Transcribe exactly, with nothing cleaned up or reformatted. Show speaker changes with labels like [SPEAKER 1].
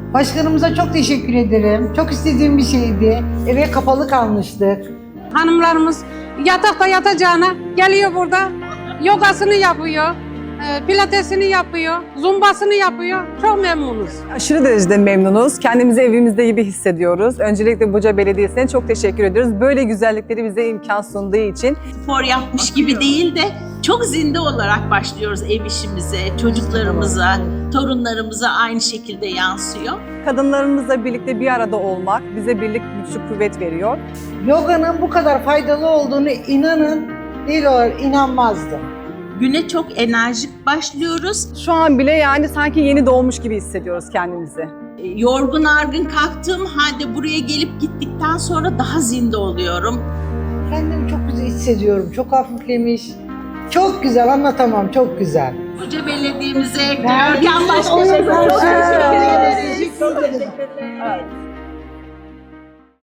[SPEAKER 1] Başkanımıza çok teşekkür ederim. Çok istediğim bir şeydi. Eve kapalı kalmıştık.
[SPEAKER 2] Hanımlarımız yatakta yatacağına geliyor burada, yogasını yapıyor, e, pilatesini yapıyor, zumbasını yapıyor. Çok memnunuz.
[SPEAKER 3] Aşırı derecede memnunuz. Kendimizi evimizde gibi hissediyoruz. Öncelikle Buca Belediyesi'ne çok teşekkür ediyoruz. Böyle güzellikleri bize imkan sunduğu için.
[SPEAKER 4] Spor yapmış gibi değil de çok zinde olarak başlıyoruz ev işimize, çocuklarımıza, torunlarımıza aynı şekilde yansıyor.
[SPEAKER 3] Kadınlarımızla birlikte bir arada olmak bize birlik, güçlü kuvvet veriyor.
[SPEAKER 1] Yoganın bu kadar faydalı olduğunu inanın, değil olarak inanmazdım.
[SPEAKER 4] Güne çok enerjik başlıyoruz.
[SPEAKER 3] Şu an bile yani sanki yeni doğmuş gibi hissediyoruz kendimizi.
[SPEAKER 4] Yorgun argın kalktığım halde buraya gelip gittikten sonra daha zinde oluyorum.
[SPEAKER 1] Kendimi çok güzel hissediyorum. Çok hafiflemiş. Çok güzel, anlatamam. Çok güzel.
[SPEAKER 4] Buca Belediye'mize, Görkem Başkanımıza çok teşekkür ederim.